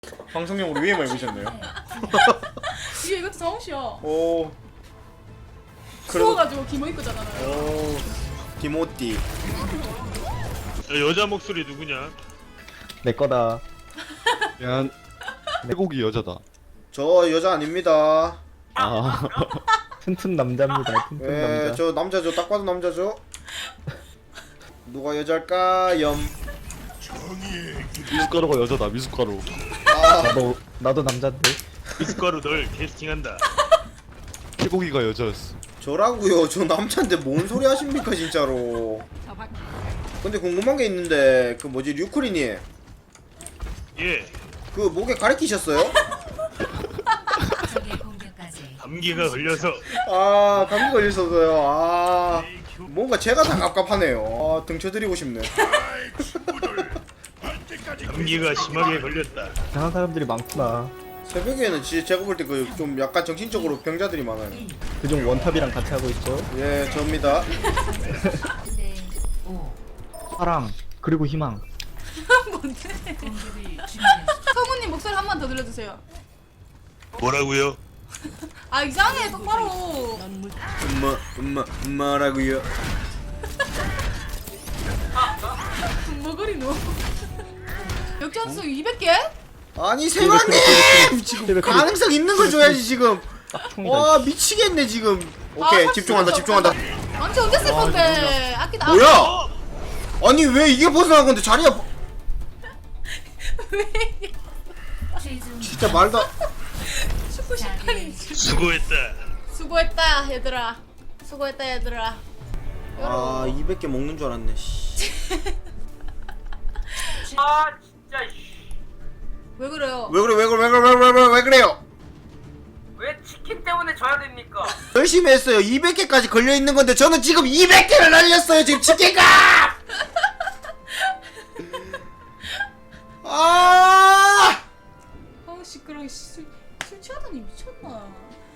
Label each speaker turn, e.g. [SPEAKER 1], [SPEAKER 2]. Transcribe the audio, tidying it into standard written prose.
[SPEAKER 1] 방송용으로 위에만 입으셨네요.
[SPEAKER 2] 이게 이것도 정시요.
[SPEAKER 1] 오.
[SPEAKER 2] 추워가지고 기모 입고 자잖아요.
[SPEAKER 1] 오. 디모띠.
[SPEAKER 3] 여자 목소리 누구냐?
[SPEAKER 4] 내 거다.
[SPEAKER 5] 미안. 태국이 여자다.
[SPEAKER 1] 저 여자 아닙니다.
[SPEAKER 4] 아. 튼튼 남자입니다. 튼튼
[SPEAKER 1] 예,
[SPEAKER 4] 남자.
[SPEAKER 1] 저 남자죠. 딱 봐도 남자죠. 누가 여자일까? 염.
[SPEAKER 5] 미숫가루가 여자다. 미숫가루.
[SPEAKER 1] 아,
[SPEAKER 4] 나도 남자인데.
[SPEAKER 3] 미숫가루 널 캐스팅한다.
[SPEAKER 5] 태국이가 여자였어.
[SPEAKER 1] 저라고요. 저 남자인데 뭔 소리 하십니까 진짜로. 근데 궁금한 게 있는데 그 뭐지 류크리님
[SPEAKER 3] 예,
[SPEAKER 1] 그 목에 가래 끼셨어요?
[SPEAKER 3] 감기가 걸려서
[SPEAKER 1] 아 감기 걸렸어서요. 아 뭔가 제가 다 갑갑하네요. 아 등쳐드리고 싶네.
[SPEAKER 3] 감기가 심하게 걸렸다.
[SPEAKER 4] 이상한 사람들이 많구나.
[SPEAKER 1] 새벽에는 진짜 제가 볼 때 그 좀 약간 정신적으로 병자들이 많아요.
[SPEAKER 4] 그중 원탑이랑 같이 하고 있죠.
[SPEAKER 1] 예, 접니다.
[SPEAKER 4] 사랑 그리고 희망.
[SPEAKER 2] 뭔데? 성우님 목소리 한 번 더 들려주세요.
[SPEAKER 3] 뭐라고요?
[SPEAKER 2] 아 이상해 똑바로.
[SPEAKER 1] 엄마라고요.
[SPEAKER 2] 뭐그리노? 역전수 200개?
[SPEAKER 1] 아니 세관님 지금
[SPEAKER 4] 세뱃
[SPEAKER 1] 가능성 있는 걸 줘야지 지금.
[SPEAKER 4] 총이다.
[SPEAKER 1] 와 미치겠네 지금. 오케이
[SPEAKER 2] 아,
[SPEAKER 1] 집중한다 집중한다.
[SPEAKER 2] 망치 언제 쓸 건데? 아끼다.
[SPEAKER 1] 뭐야? 아니 왜 이게 벗어난 건데 자리야?
[SPEAKER 2] 왜?
[SPEAKER 1] 진짜 말도.
[SPEAKER 2] 축구 심판이.
[SPEAKER 3] 수고했다.
[SPEAKER 2] 수고했다 얘들아. 수고했다 얘들아.
[SPEAKER 1] 아 200개 먹는 줄 알았네. 씨.
[SPEAKER 6] 아 진짜 씨.
[SPEAKER 2] 왜 그래요?
[SPEAKER 1] 왜 그래 왜 그래 왜 그래 왜 그래 왜 그래요?
[SPEAKER 6] 왜 치킨 때문에 져야 됩니까?
[SPEAKER 1] 열심히 했어요. 200개까지 걸려 있는 건데 저는 지금 200개를 날렸어요. 지금 치킨값. 아!
[SPEAKER 2] 아우 시끄러워. 술 취하더니 미쳤나?